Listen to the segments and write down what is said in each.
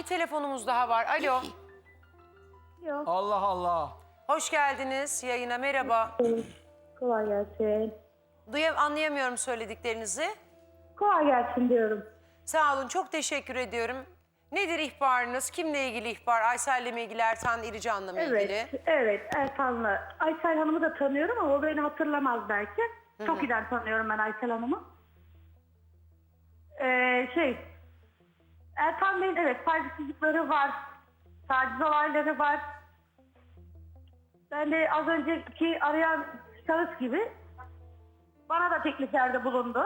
telefonumuz daha var. Alo. Yok. Allah Allah. Hoş geldiniz yayına. Merhaba. Kolay gelsin. Anlayamıyorum söylediklerinizi. Kolay gelsin diyorum. Sağ olun. Çok teşekkür ediyorum. Nedir ihbarınız? Kimle ilgili ihbar? Aysel'le mi ilgili? Ertan İrican'la mı ilgili? Evet Ertan'la. Aysel Hanım'ı da tanıyorum ama o beni hatırlamaz belki. Çok iyi tanıyorum ben Aysel Hanım'ı. Ertan Bey'in evet saygısızlıkları var. Taciz olayları var. Ben de az önceki arayan şahıs gibi bana da tekliflerde bulundu.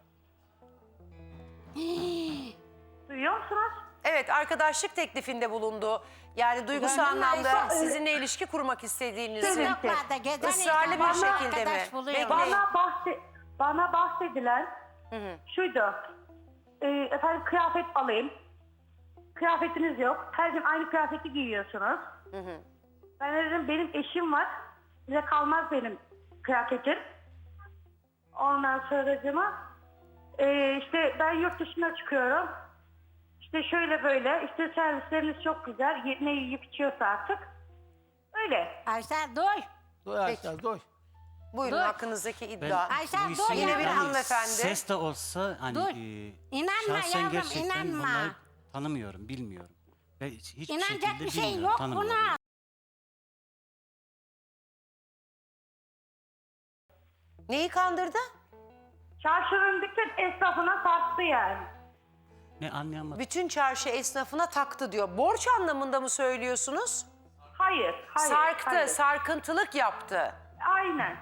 Duyuyor musunuz? Evet, arkadaşlık teklifinde bulundu. Yani duygusal Gönlüm anlamda Aysel- sizinle ilişki kurmak istediğinizi. Sokaklarda gezen Israrlı bir insanlar şekilde mi? arkadaş buluyor. Bekleyin. Bana bahsedilen şuydu. Efendim kıyafet alayım. Kıyafetiniz yok. Her gün aynı kıyafeti giyiyorsunuz. Ben dedim benim eşim var. Size kalmaz benim kıyafetim. Ondan sonracığıma işte ben yurt dışına çıkıyorum. İşte şöyle böyle. İşte servisleriniz çok güzel. Ne yiyip içiyorsa artık. Öyle. Aysel duy. Duy Aysel duy. Buyurun Dur. hakkınızdaki Ben iddia. Aysel bu dur işin Yine bir yavrum. hanımefendi. Ses de olsa hani Dur. İnanma şahsen yavrum, gerçekten inanma. bunları tanımıyorum, bilmiyorum. Ve hiçbir İnanacak şekilde bir şey bilmiyorum, yok tanımıyorum. buna. Neyi kandırdı? Çarşının bütün esnafına sattı yani. Ne anlayamadım. Bütün çarşı esnafına taktı diyor. Borç anlamında mı söylüyorsunuz? Hayır. Sarktı, hayır. sarkıntılık yaptı. Aynen.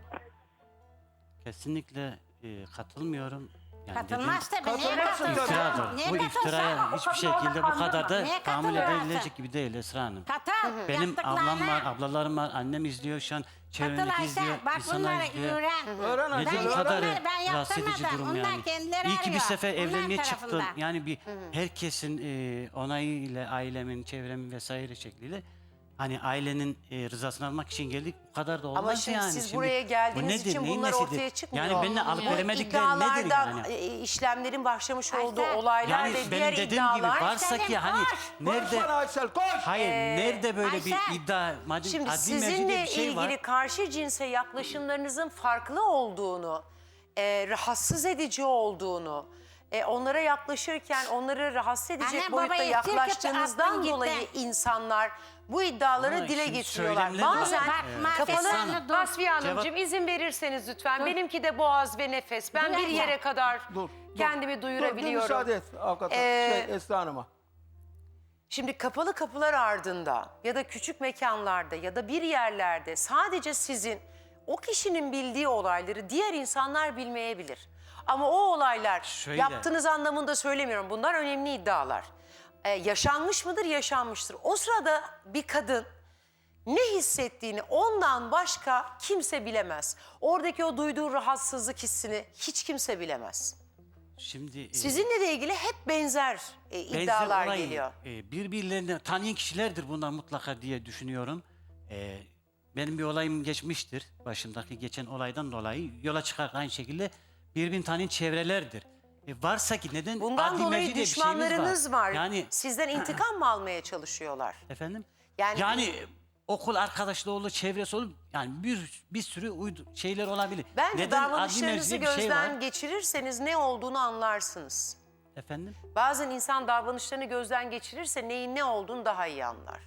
Kesinlikle katılmıyorum. Yani Katılmaz tabii. Niye Katılmazsın katılsın? tabii. İftiradır. Niye Bu katılsın? iftiraya hiçbir şekilde bu kadar da Niye tahammül katılıyorsun? edilecek gibi değil Esra Hanım. Katıl. Benim yaptıklarına. ablam var, ablalarım var, annem izliyor şu an. Katıl Çevremdeki izliyor, Aysel. Bak insanlar bunları izliyor. öğren. Öğren Aysel, Nedir bu öğren. kadar Ben rahatsız edici yaptırmadım. durum Onlar yani? kendileri İyi ki bir arıyor. sefer Onlar evlenmeye çıktım. tarafından. Yani bir herkesin onayıyla ailemin, çevremin vesaire şekliyle hani ailenin rızasını almak için geldik. Bu kadar da olmaz Ama şimdi yani. siz buraya geldiğiniz için neyin bunlar nesidir? ortaya çıkmıyor. Yani benimle alıp veremedikleri nedir iddialardan, yani? işlemlerin başlamış olduğu Aysel. olaylar Yani ve benim diğer dediğim gibi iddialar. varsa ki Selim, hani koş. nerede... Konuşsana Aysel koş. Hayır, nerede böyle Aysel. bir iddia, madem Şimdi adli merci diye sizinle bir şey ilgili var. karşı cinse yaklaşımlarınızın farklı olduğunu, rahatsız edici olduğunu, onlara yaklaşırken onları rahatsız edecek Anne, boyutta babayı yaklaştığınızdan sirkete attın dolayı gitti. insanlar bu iddiaları Ama dile şimdi getiriyorlar. söylemleri var. Bazen Bak, kapalı... Esra'nı dur. Vasfiye Hanımcığım Cevap- izin verirseniz lütfen. Benimki de boğaz ve nefes. Ben Dur bir abla. yere kadar Dur. kendimi Dur duyurabiliyorum. müsaade et avukat Esra Hanım'a. Şimdi kapalı kapılar ardında ya da küçük mekanlarda ya da bir yerlerde sadece sizin o kişinin bildiği olayları diğer insanlar bilmeyebilir. Ama o olaylar Şöyle. yaptığınız anlamında söylemiyorum. Bunlar önemli iddialar. Yaşanmış mıdır? Yaşanmıştır. O sırada bir kadın ne hissettiğini ondan başka kimse bilemez. Oradaki o duyduğu rahatsızlık hissini hiç kimse bilemez. Şimdi Sizinle de ilgili hep benzer iddialar olay, geliyor. birbirlerini tanıyan kişilerdir bunlar mutlaka diye düşünüyorum. Benim bir olayım geçmiştir. Başımdaki geçen olaydan dolayı yola çıkarak aynı şekilde birbirini tanıyan çevrelerdir. Varsa ki neden Bundan adli dolayı merci diye bir şeyimiz düşmanlarınız var. Yani Sizden intikam mı almaya çalışıyorlar? efendim? Yani- Yani okul arkadaşlığı olur, çevresi olur. Yani bir sürü şeyler olabilir. Bence neden adli davranışlarınızı merci diye bir şey gözden var? geçirirseniz ne olduğunu anlarsınız. Efendim? Bazen insan davranışlarını gözden geçirirse neyin ne olduğunu daha iyi anlar.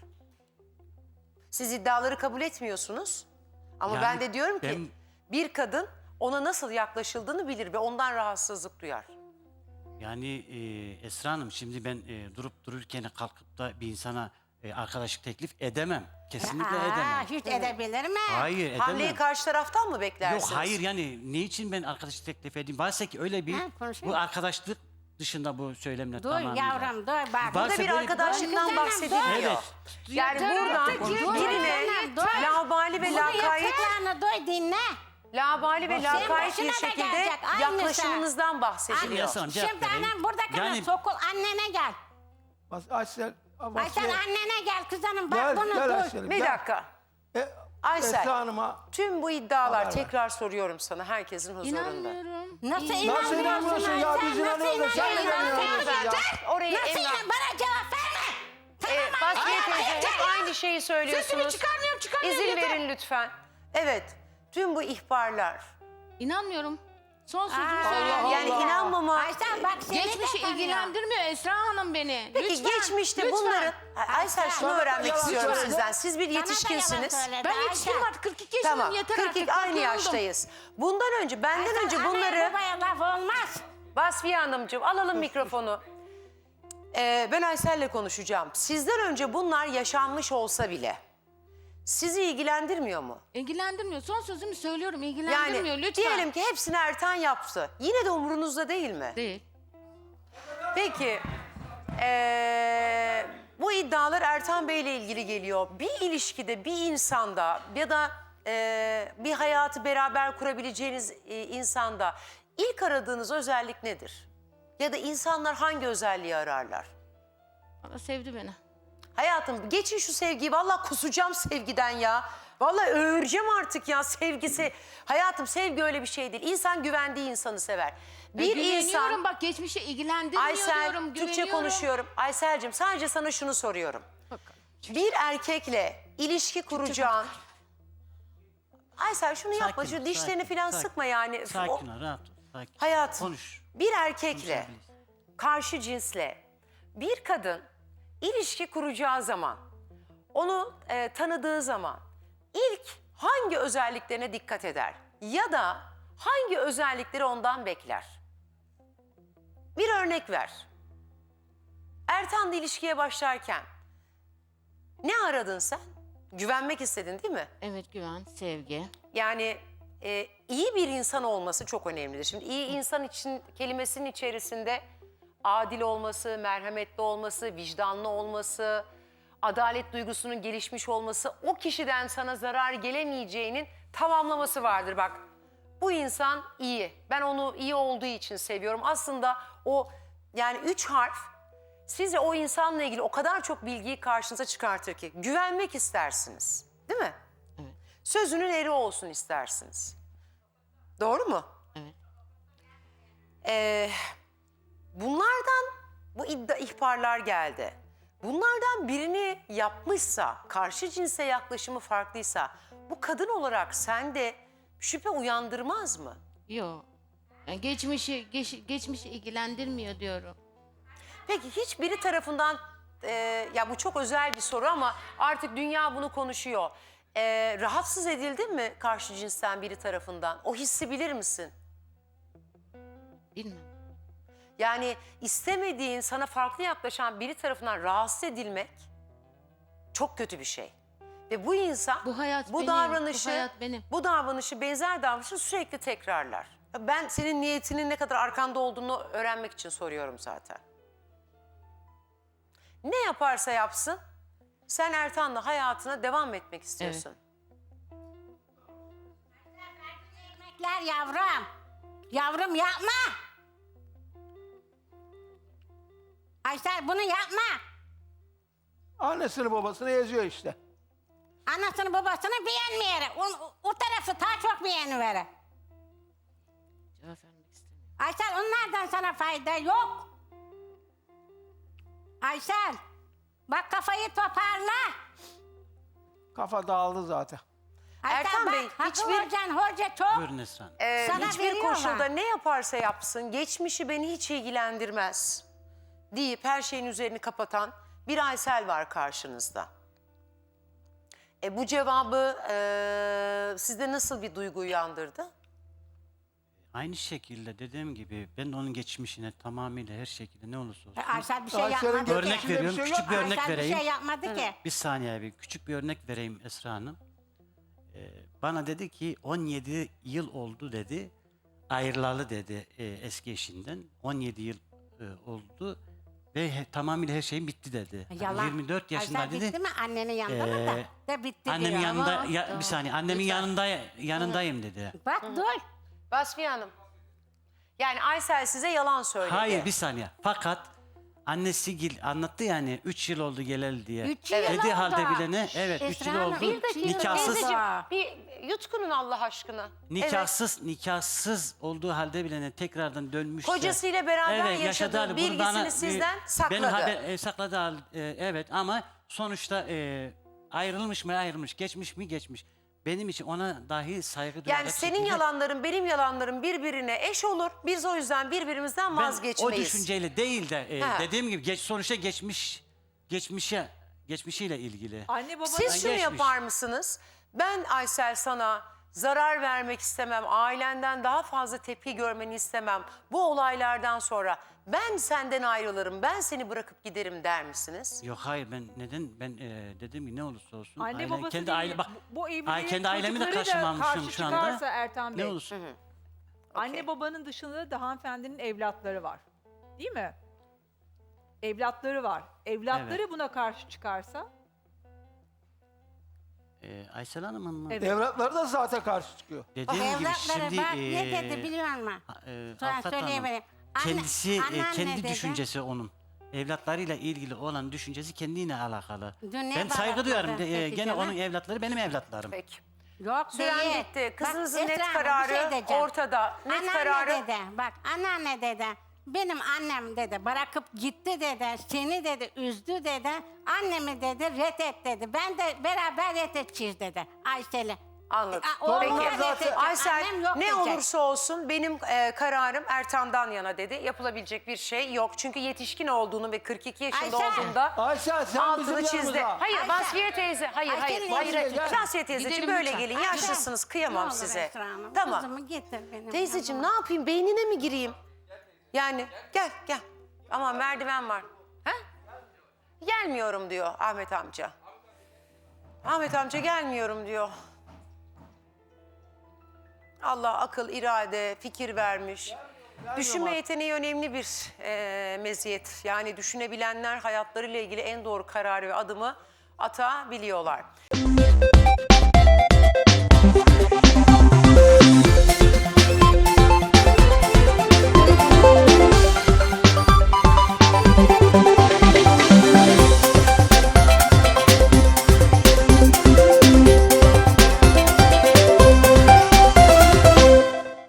Siz iddiaları kabul etmiyorsunuz. Ama Yani ben de diyorum ki ben- bir kadın ona nasıl yaklaşıldığını bilir ve ondan rahatsızlık duyar. Yani Esra Hanım şimdi ben durup dururken kalkıp da bir insana arkadaşlık teklif edemem. Kesinlikle edemem. Hiç edebilir mi? Hayır edemem. Hamleyi karşı taraftan mı beklersiniz? Yok hayır yani ne için ben arkadaşlık teklif edeyim? Varsa ki öyle bir Ha, konuşayım. bu arkadaşlık dışında bu söylemle Dur tamamıyla. yavrum dur bak. Varsa Burada bir böyle arkadaşlıktan Dur, bahsediliyor. Evet. Yani Dur, buradan dur, birine dur. laubali ve Bunu lakayt, yaptıklarını duy dinle. laubali ve Senin lakayt bir başına da şekilde gelecek, aynısı. yaklaşımınızdan bahsediliyor. Yasan, cevap Şimdi vereyim. annem burada kadar Yani- sokul annene gel. Aysel. Aysel annene gel kızanım bak Gel bunu gel duy. Aysel'im. Bir gel. dakika. Aysel. Aysel. Esra Hanım'a. Tüm bu iddialar Haber ver. tekrar soruyorum sana herkesin huzurunda. İnanmıyorum. Nasıl Nasıl inanmıyorsun inanmıyorsun ya? Aysel? Biz inanıyoruz da sen neden inanmıyorsun ya? Orayı Nasıl Emrah... inan? Bana cevap verme. şeyi söylüyorsunuz. Sesimi çıkarmıyorum, İzin yeter. verin lütfen. Evet, tüm bu ihbarlar. İnanmıyorum. Son sözümü Aa, söylüyorum. Yani inanmama... Aysel bak seni Geçmişi de tanıyor. ilgilendirmiyor Esra Hanım beni. Peki Lütfen, geçmişte lütfen. bunların... Aysel şunu Bana da öğrenmek yalan istiyorum söyledi. sizden. Siz bir Sana da yalan yetişkinsiniz. söyledi, Ben Aysel. yetişkinim artık 42 yaşındayım Tamam, yeter 42 artık. aynı Bak, yoruldum. yaştayız. Benden önce, benden Aysel, önce anaya bunları... babaya laf olmaz. Vasfiye Hanımcığım alalım mikrofonu. Ben Aysel'le konuşacağım. Sizden önce bunlar yaşanmış olsa bile sizi ilgilendirmiyor mu? İlgilendirmiyor. Son sözümü söylüyorum. Yani İlgilendirmiyor lütfen. diyelim ki hepsini Ertan yaptı. Yine de umurunuzda değil mi? Değil. Peki bu iddialar Ertan Bey ile ilgili geliyor. Bir ilişkide, bir insanda ya da bir hayatı beraber kurabileceğiniz insanda ilk aradığınız özellik nedir? Ya da insanlar hangi özelliği ararlar? Valla sevdi beni. Hayatım geçin şu sevgiyi. Vallahi kusacağım sevgiden ya. Vallahi öğüreceğim artık ya sevgisi. Hayatım sevgi öyle bir şey değil. İnsan güvendiği insanı sever. Bir Güveniyorum insan... bak geçmişe ilgilendirmiyor Aysel, diyorum. Türkçe Güveniyorum. konuşuyorum. Aysel'cim sadece sana şunu soruyorum. Bakalım. Bir erkekle ilişki kuracağın... Aysel şunu yapma. Sakin Şu ol, dişlerini sakin, falan sakin. sıkma yani. Sakin ol, rahat ol. Sakin. Hayatım, Konuş. bir erkekle, Konuşabiliriz. karşı cinsle bir kadın ilişki kuracağı zaman, onu tanıdığı zaman ilk hangi özelliklerine dikkat eder? Ya da hangi özellikleri ondan bekler? Bir örnek ver. Ertan'la ilişkiye başlarken ne aradın sen? Güvenmek istedin değil mi? Evet güven, sevgi. Yani iyi bir insan olması çok önemlidir. Şimdi iyi insan için kelimesinin içerisinde adil olması, merhametli olması, vicdanlı olması, adalet duygusunun gelişmiş olması, o kişiden sana zarar gelemeyeceğinin tamamlaması vardır. Bak bu insan iyi. Ben onu iyi olduğu için seviyorum. Aslında o yani 3 harf size o insanla ilgili o kadar çok bilgiyi karşınıza çıkartır ki güvenmek istersiniz. Değil mi? Evet. Sözünün eri olsun istersiniz. Doğru mu? Evet. Bunlardan bu ihbarlar geldi. Bunlardan birini yapmışsa, karşı cinse yaklaşımı farklıysa bu kadın olarak sende şüphe uyandırmaz mı? Yok. Yani geçmişi ilgilendirmiyor diyorum. Peki hiçbiri tarafından, ya bu çok özel bir soru ama artık dünya bunu konuşuyor. Rahatsız edildin mi karşı cinsten biri tarafından? O hissi bilir misin? Bilmem. Yani istemediğin, sana farklı yaklaşan biri tarafından rahatsız edilmek çok kötü bir şey. Ve bu insan Bu hayat bu benim, davranışı, bu hayat benim. bu davranışı, benzer davranışı sürekli tekrarlar. Ben senin niyetinin ne kadar arkanda olduğunu öğrenmek için soruyorum zaten. Ne yaparsa yapsın, sen Ertan'la hayatına devam etmek istiyorsun. Ekmekler yavrum. Yavrum yapma. Aysel bunu yapma. Annesini babasını eziyor işte. Anasını babasını beğenmeyerek. O tarafı daha çok beğenivere. Cevap vermek istemiyorum. Aysel onlardan sana fayda yok. Aysel bak kafayı toparla. Kafa dağıldı zaten. Aysel Erkan bak, Bey, Hakkı hiçbir- Hoca çok. Buyurun Esra Hanım. Sana Hiçbir veriyorlar. koşulda ne yaparsa yapsın, geçmişi beni hiç ilgilendirmez deyip her şeyin üzerini kapatan bir Aysel var karşınızda. Bu cevabı sizde nasıl bir duygu uyandırdı? Aynı şekilde dediğim gibi ben onun geçmişine tamamıyla her şekilde ne olursa olsun. Aysel bir şey Aysel'in yapmadı Örnek ki. bir veriyorum, şey küçük yok. bir örnek Aysel bir vereyim. şey yapmadı ki. Bir saniye bir küçük bir örnek vereyim Esra Hanım. Bana dedi ki 17 yıl oldu dedi. Ayrılalı dedi eski eşinden. 17 yıl oldu ve tamamıyla her şeyim bitti dedi. Yalan. 24 yaşında Aysel dedi. bitti mi? Annenin yanında mı da? De bitti Annemin diyor. yanında Ama- bir saniye annemin yanındayım dedi. Bak dur. Vasfiye Hanım. Yani Aysel size yalan söyledi. Hayır bir saniye. Fakat annesi anlattı yani 3 yıl oldu geleli diye. 3 yıl Dedi oldu. halde bilene evet 3 yıl Esra Hanım, oldu. bir dakika. Nikahsız Teyzeciğim, bir yutkunun Allah aşkına. nikahsız olduğu halde bilene tekrardan dönmüşse. Kocasıyla beraber yaşadığı halde bunu bilgisini sizden sakladı. sakladı evet ama sonuçta Ayrılmış mı ayrılmış, geçmiş mi geçmiş. Benim için ona dahi saygı duyacak Yani senin şekilde- yalanların, benim yalanlarım birbirine eş olur. Biz o yüzden birbirimizden Ben vazgeçmeyiz. o düşünceyle değil de Ha. dediğim gibi sonuçta geçmişiyle ilgili. Anne baba Siz şunu geçmiş. yapar mısınız? Ben Aysel sana zarar vermek istemem. Ailenden daha fazla tepki görmeni istemem. Bu olaylardan sonra ben senden ayrılırım. Ben seni bırakıp giderim der misiniz? Yok hayır ben dediğim gibi ne olursa olsun. anne ailen- babası kendi değil. aile bak. Bu evliliğe kendi ailemi de çocukları da karşımamışım karşı şu anda. çıkarsa Ertan Bey. Ne olursun. Anne babanın dışında da hanımefendinin evlatları var. Değil mi? Evlatları var. Evlatları Evet. buna karşı çıkarsa Aysel Hanım'ın mı? Evet. Evlatları da zaten karşı çıkıyor. Dediğim gibi Evlatları şimdi bak ne dedi biliyor musun? Sonra Avukat Hanım, söyleyebilirim. kendisi Anneanne kendi dedi. düşüncesi onun. Evlatlarıyla ilgili olan düşüncesi kendiyle alakalı. Dün ne Ben saygı bağırdı duyarım. peki Gene canım? onun evlatları benim evlatlarım. Peki. Yok Süren değil. bitti. Bak, Kızınızın Esra net Hanım, kararı bir şey diyeceğim. ortada. Net Anneanne kararı. dedi, bak anneanne dedi, benim annem dedi, bırakıp gitti dedi, seni dedi, üzdü dedi, annemi dedi, reddet dedi. Ben de beraber reddedeceğiz dedi Aysel'i. Anladım. Oğlum Peki. da reddedecek, Aysel annem yok ne diyecek. olursa olsun benim kararım Ertan'dan yana dedi. Yapılabilecek bir şey yok. Çünkü yetişkin olduğunu ve 42 yaşında Ayşe. olduğunda Ayşe sen bizim altını çizdi. yanımıza. Hayır Ayşe. Vasfiye teyze. Hayır Ayşe hayır. ile Hayır. Vasfiye gel. Vasfiye teyzeciğim Gidelim böyle lütfen. gelin. Ayşe, Yaşlısınız. ne Kıyamam olur size. Esra Hanım, Tamam. Kızımı getir benim. Teyzeciğim ne yanıma. yapayım? Beynine mi gireyim? Yani gel. Ama merdiven var. Ha? Gelmiyorum diyor Ahmet amca. Ahmet amca gelmiyorum diyor. Allah akıl, irade, fikir vermiş. Düşünme yeteneği önemli bir meziyet. Yani düşünebilenler hayatlarıyla ilgili en doğru kararı ve adımı atabiliyorlar.